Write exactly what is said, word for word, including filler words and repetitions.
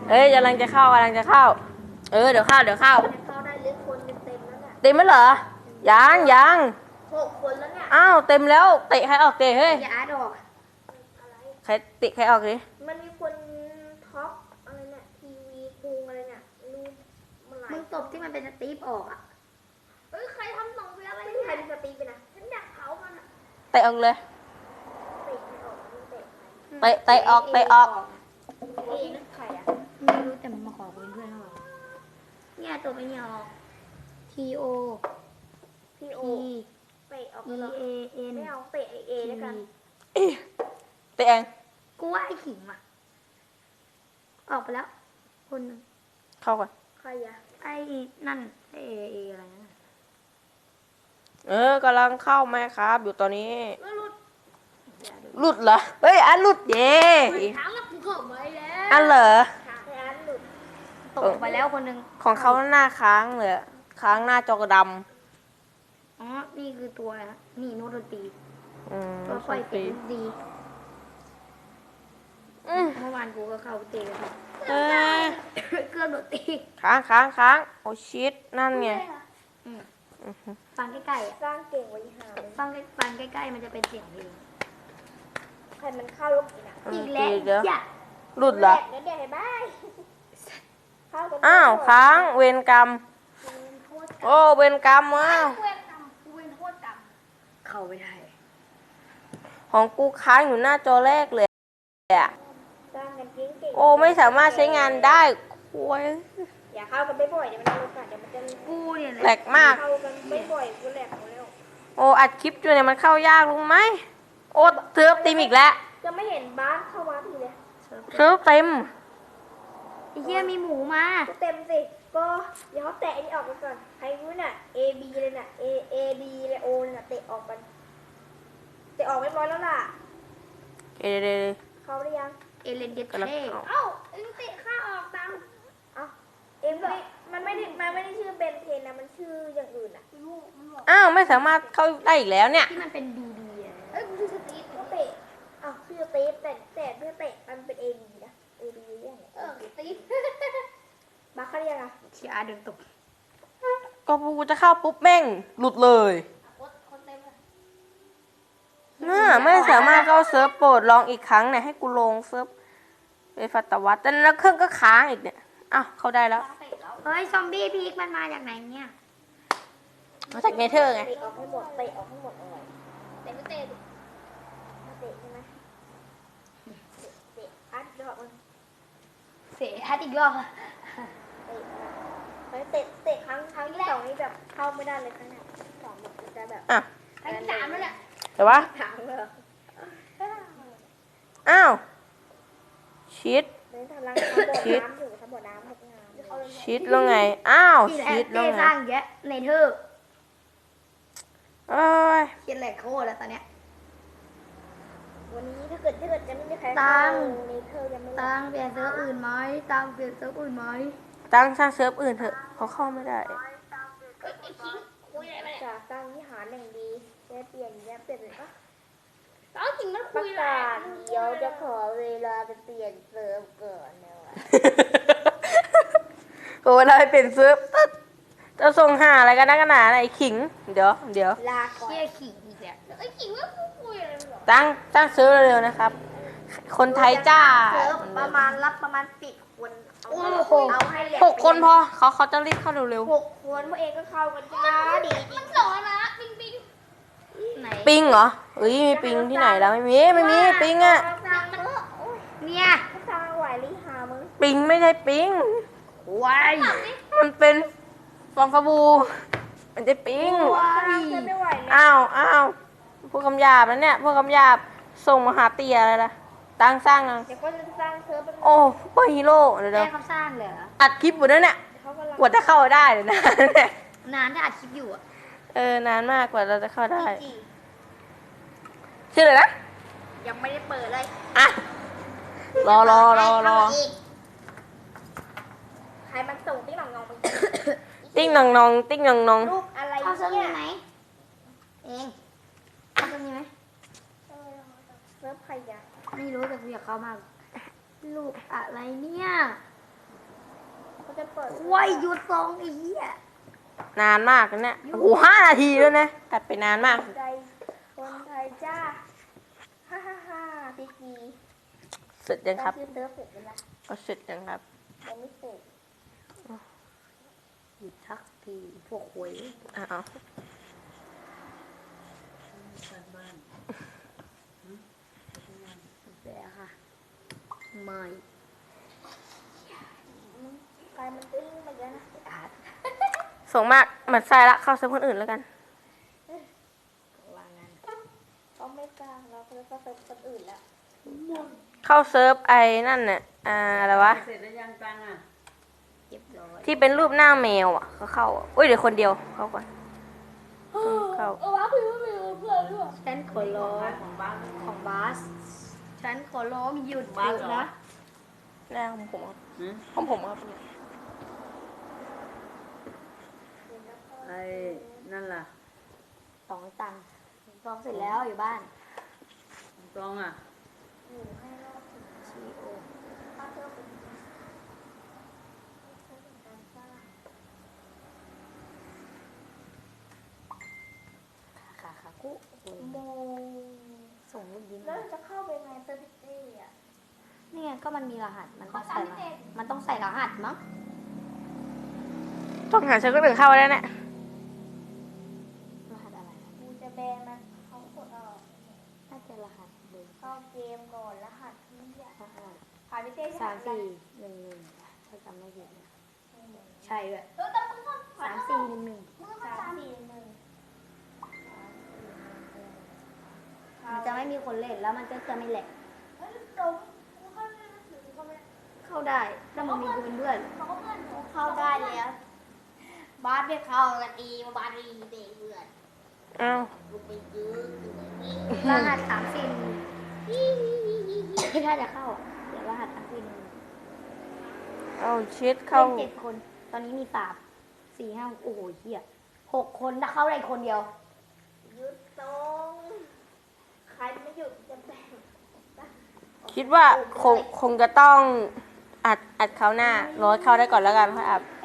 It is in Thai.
เอ้ยกำลังจะเข้ากำลังจะเข้าเออเดี๋ยวเข้าเดี๋ยวเข้าเข้าได้ลึกคนเต็มแล้วเนี่ยเต็มไหมเหรอยังยังหกคนแล้วเนี่ยอ้าวเต็มแล้วเตะใครออกเตะเฮ้ยอย่าอาร์ตออกใครเตะใครออกดิมันมีคนท็อปอะไรเนี่ยทีวีคุงอะไรเนี่ยรู้มันหลายมึงตบที่มันเป็นสตีฟออกอ่ะเอ้ยใครทำสองเวลาอะไรใครเป็นสตีฟไปนะฉันอยากเผามันอ่ะเตะออกเลยเตะไม่ออกเตะเตะเตะออกเตะออกเอ้นั่นใครอ่ะไม่รู้แต่มันมาขอเป็นเพื่อนเราเนี่ยตัวไม่ยอม T O P O เตะออก E A N ไม่เอาเตะ A แล้วกันเตะเองกูว่าไอ้ขิงอ่ะออกไปแล้วคนนึงเข้าก่อนใครอะไอ้นั่นไอ้เออะไรนั่นเออกำลังเข้าไหมครับอยู่ตอนนี้หลุดเหรอเฮ้ยอันหลุดเย่ถามว่ากูเข้าไปแล้วอันเหรออันหลุดตกไปแล้วคนนึงของเขาหน้าค้างเลยค้างหน้าจอกระดำอ๋อนี่คือตัวอะไรนะนี่โนดนตรีตัวไฟเต็มดีเมื่อวานกูก็เข้าเตะครับเออเครื่องดนตรีค้างค้างค้างโอชิตนั่นไงฟังใกล้ๆสร้างเก่งไว้หาฟังฟังใกล้ๆมันจะเป็นเสียงเพลงใครมันเข้าลูกอีกนะอีกแล้วจ้ะหลุดเหรอเดี๋ยวเดี๋ยวให้บ้ายอ้าวค้างเวรกรรมโอ้เวรกรรมว้าวเวรกรรมเวรโทษกรรมเข้าไม่ได้ของกูค้างอยู่หน้าจอแรกเลยอะโอ้ไม่สามารถใช้งานได้คุยอย่าเข้ากันบ่อยๆเดี๋ยวมันจะลดเดี๋ยวมันจะกูเนี่ยแหลกมากเข้ากันบ่อยๆกูแหลกหมดแล้วโอ้อัดคลิปอยู่เนี่ยมันเข้ายากลุงไหมโอ้เทิร์ฟตีมอีกแล้วจะไม่เห็นบ้านเข้ามาทีเลยเทิร์ฟเต็มไอ้เหี้ยมีหมูมาเต็มสิก็เดี๋ยวเขาแตะนี่ออกไปก่อนใครรู้น่ะ A B เลยน่ะ A A D เลย O เลยน่ะเตะออกกันเตะออกไม่ร้อยแล้วล่ะเอเดเข้าได้ยังเอเลนเดเท่เอ้าเอ็งเตะข้าออกตังเอ้าเอ็งไม่มันไม่ได้มันไม่ได้ชื่อเบนเทนนะมันชื่ออย่างอื่นอ่ะอ้าวไม่สามารถเข้าได้อีกแล้วเนี่ยที่มันเป็นดีดีอ่ะเอ้ยชื่อสตีฟก็เตะอ้าวชื่อสตีฟแต่แต่ชื่อเตะมันเป็นเอดีนะเอดีอย่างเงี้ยเออสตีฟมาเข้าได้ยังอ่ะเชียร์เดินตกก็กูจะเข้าปุ๊บแม่งหลุดเลยน่าไม่สามารถเข้าเซิร์ฟโปรดลองอีกครั้งเนี่ยให้กูลงเซิร์ฟไปฟัตวัตแต่แล้วเครื่องก็ค้างอีกเนี่ยอ้าวเข้าได้แล้วเฮ้ยซอมบี้พีกมันมาจากไหนเนี่ยมาจากเนเธอร์ไงเตะออกให้หมดเตะออกให้หมดเลยเตะไม่เตะมาเตะใช่ไหมเตะอัดรอบมันเตะอัดอีกรอบเตะเตะเตะครั้งครั้งที่สองนี่แบบเข้าไม่ได้เลยครั้งนี้สองแบบจะแบบอ่ะครั้งที่สามแล้วเนี่ยแต่ว่าอ้าวชิดชิดชิดแล้วไงอ้าวชิดแล้วไงสร้างเยอะในเธอเอ้ยเขียนแหลกโคตรแล้วตอนเนี้ยวันนี้ถ้าเกิดถ้าเกิดจะไม่มีใครตั้งในเธอยังไม่ตั้งเปลี่ยนเซิร์ฟอื่นไหมตั้งเปลี่ยนเซิร์ฟอื่นไหมตั้งสร้างเซิร์ฟอื่นเถอะเขาเข้าไม่ได้จากตั้งวิหารอย่างดีแค่เปลี่ยนแค่เปลี่ยนอ่ะเอาจริงมันคุยประกาศเดี๋ยวจะขอเวลาไปเปลี่ยนเซิร์ฟก่อนนะวะโอ้เวลาไปเปลี่ยนเซิร์ฟจะส่งหาอะไรกันนักหนาไอ้ขิงเดี๋ยวเดี๋ยวลาเชี่ยขิงอีกแล้วไอ้ขิงว่าคุยอะไรหรอตั้งตั้งเซิร์ฟเร็วๆนะครับคนไทยจ้าเซิร์ฟประมาณรับประมาณสิบคนโอ้โหเอาให้หกคนพอเขาเขาจะรีบเข้าเร็วๆหกคนพวกเองก็เข้ากันจ้าดีมันสอนนะปิงปิงปิงเหรอเอ้ยมีปิงที่ไหนแล้วไม่มีไม่มีปิงอ่ะเนี่ยสร้างไหวลิฮามึงปิงไม่ใช่ปิงวายมันเป็นฟองฟาบูมันจะปิงอ้าวอ้าวพวกคำหยาบนะเนี่ยพวกคำหยาบส่งมาหาเตียอะไรล่ะตั้งสร้างนะเดี๋ยวก็จะสร้างเซิร์ฟโอ้เปอร์ฮีโร่เดี๋ยวเดี๋ยวเขาสร้างเลยอัดคลิปอยู่นั่นเนี่ยกว่าจะเข้าได้เลยนะนานที่อัดคลิปอยู่อ่ะเออนานมากกว่าเราจะเข้าได้ชื่ออะไรนะยังไม่ได้เปิดเลยอ่ะรอรอรอรอใครมันส่งติ๊งหนองงองติ๊งหนองงองติ๊งหนองงองรูปอะไรเนี่ยเอาเซิร์ฟมีไหมเองเอาเซิร์ฟมีไหมเซิร์ฟใครอ่ะไม่รู้แต่กูอยากเข้ามากรูปอะไรเนี่ยจะเปิดว้ยหยุดซองไอ้เหี้ยนานมากนะเนี่ยโอ้โหห้านาทีแล้วนะตัดไปนานมากใจคนไทยจ้าฮ่าฮ่าฮ่าพี่กีเสร็จยังครับชื่อเซิร์ฟเสร็จแล้วนะก็เสร็จยังครับยังไม่เสร็จหยุดทักทีพวกหวยอ้าวแต่ค่ะไม่ไฟมันติ้งมาเยอะนะอาจส่งมากเหมือนใส่ละเข้าเซิร์ฟคนอื่นแล้วกันว่างั้นเขาไม่กล้าเราก็เลยก็เซิร์ฟคนอื่นแล้วเข้าเซิร์ฟไอ้นั่นเนี่ยอ่าอะไรวะเสร็จแล้วยังตังอ่ะเรียบร้อยที่เป็นรูปหน้าแมวอ่ะเขาเข้าอ่ะอุ้ยเดี๋ยวคนเดียวเข้าก่อนเข้าเออว้าพี่ไม่มีเพื่อนด้วยฉันขอร้องของบ้านของบาสฉันขอร้องหยุดบาสหยุดเหรอนะหน้าของผมครับหืมของผมครับไอ้นั่นล่ะสองตังค์ซ้อมเสร็จแล้วอยู่บ้านตองอ่ะอยู่ให้รอบถึงชีโอถ้าเซิร์ฟเป็นเซิร์ฟเป็นการสร้างขาขาขาคุโอ้ยโมส่งลูกยิ้มแล้วจะเข้าไปไงเซอร์วิสเต้อะนี่ไงก็มันมีรหัสมันต้องเขาใส่ทำรเสร็หัสจมันต้องใส่รหัสมั้งต้องหาเซิร์ฟคนอื่นเข้าแล้วเนี่ยรหัสอะไรนะกูจะแบนมันเขากดออกน่าจะรหัสเบอร์เข้าเกมก่อนรหัสที่อะรหัสผ่านพี่เต้สามสี่หนึ่งหนึ่งถ้าจำไม่ผิดนะใช่ด้วยเออแต่มึงก็สามสี่หนึ่งหนึ่งมึงก็สามสี่หนึ่งมันจะไม่มีคนเล่นแล้วมันก็จะไม่แหลกเฮ้ยตรงกูเข้าไม่ได้ถือเขาไม่เข้าได้ถ้ามันมีกูเป็นเพื่อนเขาก็เพื่อนหนูเข้าได้แล้วบาสไม่เข้ากันดีบาสดีเตะเพื่อนอ้าวกูไปยื้อถึงนี้รหัสสามสี่หนึ่งถ้าจะเข้าเดี๋ยวรหัสสามสี่หนึ่งเอาชิดเข้าเล่นเจ็ดคน ตอนนี้มีสามสี่ห้าโอ้โหเฮียหกคนถ้าเข้าได้คนเดียวยื้อตรงใครไม่หยุดจะแบ่งคิดว่าคงคงจะต้องอัดอัดเขาหน้าร้อยเข้าได้ก่อนแล้วกันค่อยอัด